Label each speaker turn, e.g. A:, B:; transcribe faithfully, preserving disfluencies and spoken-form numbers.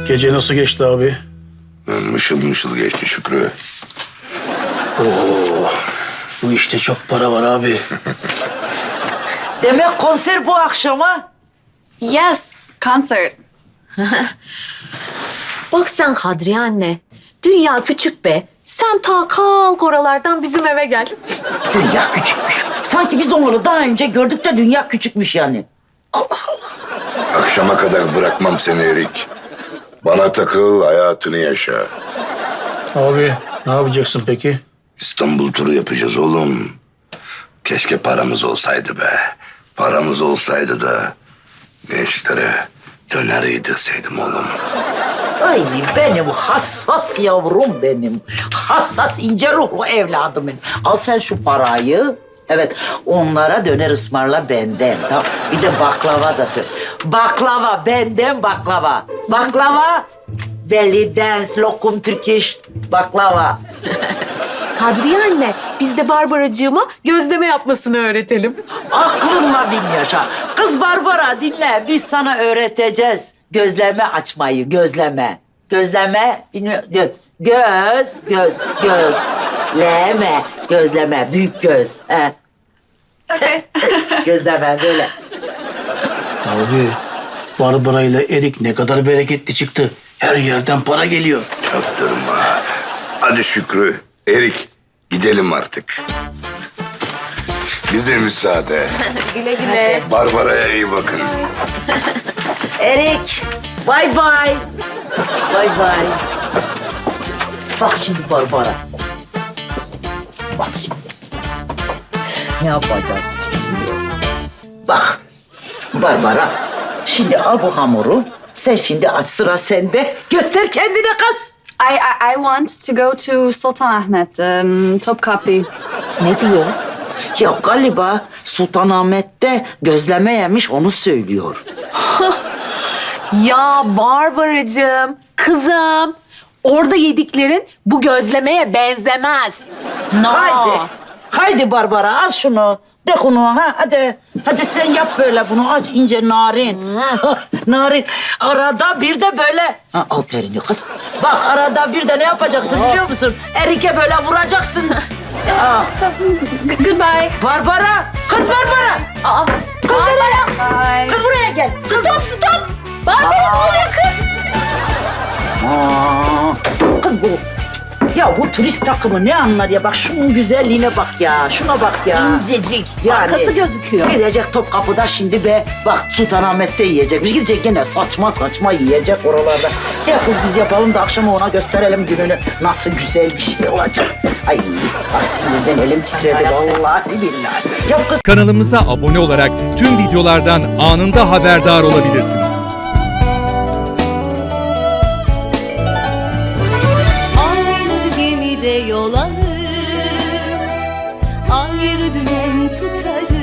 A: Gece nasıl geçti abi?
B: Mışıl mışıl geçti Şükrü.
A: Oo, bu işte çok para var abi.
C: Demek konser bu akşama.
D: Yes, concert.
E: Bak sen Kadriye anne. Dünya küçük be. Sen ta kalk oralardan bizim eve gel.
C: Dünya küçükmüş. Sanki biz onları daha önce gördük de dünya küçükmüş yani. Allah Allah.
B: Akşama kadar bırakmam seni Erik. Bana takıl, hayatını yaşa.
A: Abi ne yapacaksın peki?
B: İstanbul turu yapacağız oğlum. Keşke paramız olsaydı be. Paramız olsaydı da gençlere döner yedirseydim oğlum.
C: Ay benim hassas yavrum benim. Hassas ince ruhlu evladım benim. Al sen şu parayı. Evet onlara döner ısmarla benden. Tamam. Bir de baklava da söyle. Baklava benden baklava. Baklava. Belly dance, lokum Turkish, baklava.
E: Kadriye anne, biz de Barbaracığıma gözleme yapmasını öğretelim.
C: Aklınla bin yaşa. Kız Barbara dinle. Biz sana öğreteceğiz. Gözleme açmayı, gözleme. Gözleme, bilmiyorum. Göz, göz, göz, gözleme. Gözleme, büyük göz. He. Gözleme böyle.
A: Abi Barbara ile Erik ne kadar bereketli çıktı. Her yerden para geliyor.
B: Çaktırma. Hadi Şükrü, Erik gidelim artık. Bize müsaade.
E: Güle güle.
B: Barbara'ya iyi bakın.
C: Erik, bay bay. Bay bay. Bak şimdi Barbara. Bak şimdi. Ne yapacağız şimdi? Bak Barbara. Şimdi al bu hamuru. Sen şimdi aç, sıra sende. Göster kendine kız.
D: I, I, I want to go to Sultanahmet, um, Topkapi.
E: Ne diyor?
C: Ya galiba Sultanahmet'te gözleme yemiş, onu söylüyor.
E: Ya Barbaracığım, kızım. Orada yediklerin bu gözlemeye benzemez. No.
C: Haydi. Haydi Barbara al şunu. Dök onu ha hadi. Hadi sen yap böyle bunu aç ince narin. Narin. Arada bir de böyle. Ha, al terini kız. Bak arada bir de ne yapacaksın biliyor musun? Erike böyle vuracaksın. Aa,
D: G- goodbye.
C: Barbara. Kız Barbara.
E: Aa,
C: Kız buraya.
D: Bye.
C: Kız buraya gel.
E: stop stop. Barbara ne oluyor kız?
C: Aa, kız bu. Ya bu turist takımı ne anlar ya? Bak şunun güzelliğine bak ya. Şuna bak ya.
E: İncecik.
C: Yani
E: Arkası gözüküyor.
C: Gidecek Topkapı'da şimdi be. Bak Sultanahmet'te yiyecekmiş. Gidecek gene saçma saçma yiyecek oralarda. Ya kız biz yapalım da akşama ona gösterelim gününü. Nasıl güzel bir şey olacak. Ay bak sinirden elim titredi vallahi billahi. Ya kız
F: Kanalımıza abone olarak tüm videolardan anında haberdar olabilirsiniz.
G: Aynı gemide yol alır, ayrı dümen tutarız.